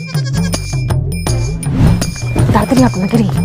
তাড়াতাড়ি আপনাকে রে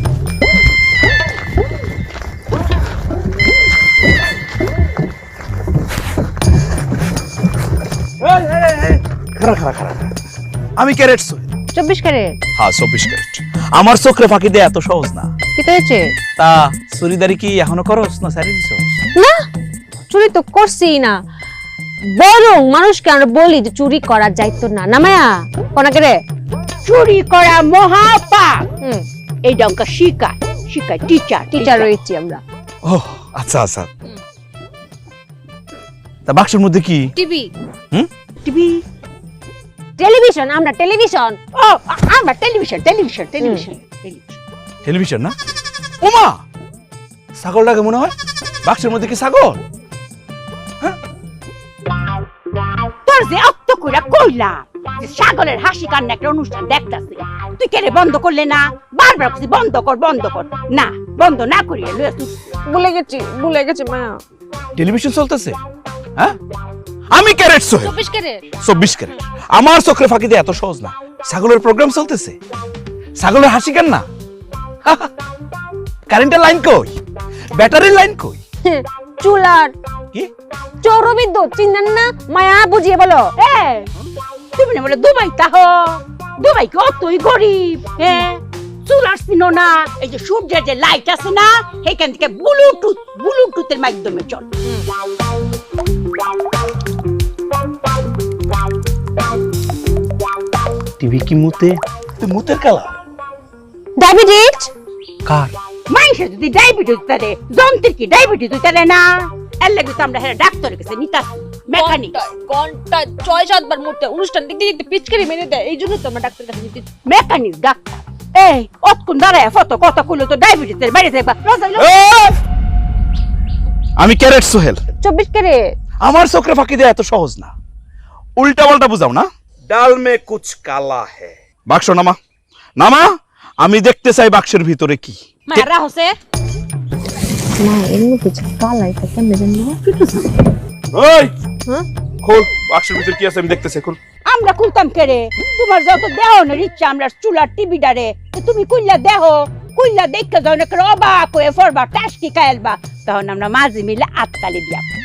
আমি ক্যারেট সোহেল। 24 ক্যারেট হ্যাঁ 24 ক্যারেট। আমার চোখে ফাঁকি দেয়া এত সহজ না। কি হয়েছে? তা চুরিদারি কি এখনো করস না সারি দিছ? না চুরি তো করছি না, বরং মানুষকে আমরা বলি যে চুরি করা যাইতো না। না মায়া কোনাকে রে চুরি করা মহাপাপ। হুম এইটা অঙ্ক শিখায় শিখায় টিচার রয়েছি আমরা। ও আচ্ছা আচ্ছা। তা বাক্সের মধ্যে কি? টিভি টিভি টেলিভিশন, আমরা টেলিভিশন। ও আমরা টেলিভিশন টেলিভিশন টেলিভিশন টেলিভিশন না? ওমা ছাগলটাকে মনে হয় বাক্সের মধ্যে কি ছাগল? তোর যে অক্ত কইরা কইলাম যে সাগরের হাসি কান্না একটা অনুষ্ঠান দেখতাছি, তুই কেরে বন্ধ করলে না? বারবার কইছি বন্ধ কর না, বন্ধ না করিয়ে লইয়া তুই ভুলে গেছি মায়া। টেলিভিশন চলতেছে? হ্যাঁ আমি ক্যারেট সোহেল। 24 carat 24 carat. আমার চোখে ফাঁকি দেয়া এত সহজ না। ছাগলের প্রোগ্রাম চলতেছে, ছাগলের হাসি কান্না। কারেন্টের লাইন কই? ব্যাটারির লাইন কই? চুলার কি চৌরবিদ্যুৎ চিনেন না? মায়া বুঝিয়ে বলো। তুমি না বলে দুবাই তাহ, দুবাই কি অতই গরিব? হ্যাঁ চুল আসছিল না, এই যে সূর্যের যে লাইট আছে না, সেখান থেকে ব্লুটুথের মাধ্যমে চল। টিভি কি মুতে? তুই মুতের কালা ডায়াবেটিস কার? মানুষের যদি ডায়াবেটিস থাকে, যন্ত্রের কি ডায়াবেটিস হইতে না? এর লাগে তো আমরা ডাক্তারের কাছে নিতাম, মেকানিক। ঘন্টা 6-7 বার মুতে অনুষ্ঠান দেখতে দেখতে পিচকারি মেরে দেয়, এই জন্য তো আমরা ডাক্তার কাছে নিতে। মেকানিক ডাক্তার। এই অতক্ষণ দাঁড়ায় ফটো কথা কইলো তো ডায়াবেটিসের বাইরে যাইবা। আমি ক্যারেট সোহেল। 24 ক্যারেট আমার চোখে ফাঁকি দেয়া এত সহজ না। উল্টা পাল্টা বুঝাও না। ডাল মে কুছ কালা হে। বাক্স নামা নামা, আমি দেখতে চাই বাক্সের ভিতরে কি। মারা হসে না এমনি কিছু কালাই তো কেমনে জানো? ওই হ্যাঁ খোল, বাক্সের ভিতরে কি আছে আমি দেখতেছি, খোল। আমরা খুলতাম কেরে? তোমার যত দেহ না ইচ্ছা আমরা চুলার টিভি ডারে, তুমি কইলা দেহ, কইলা দেখতে যাও না, অবাক হয়ে ফরবা টাসকি খাইলবা, তখন আমরা মাঝে মিলে আততালি দিয়া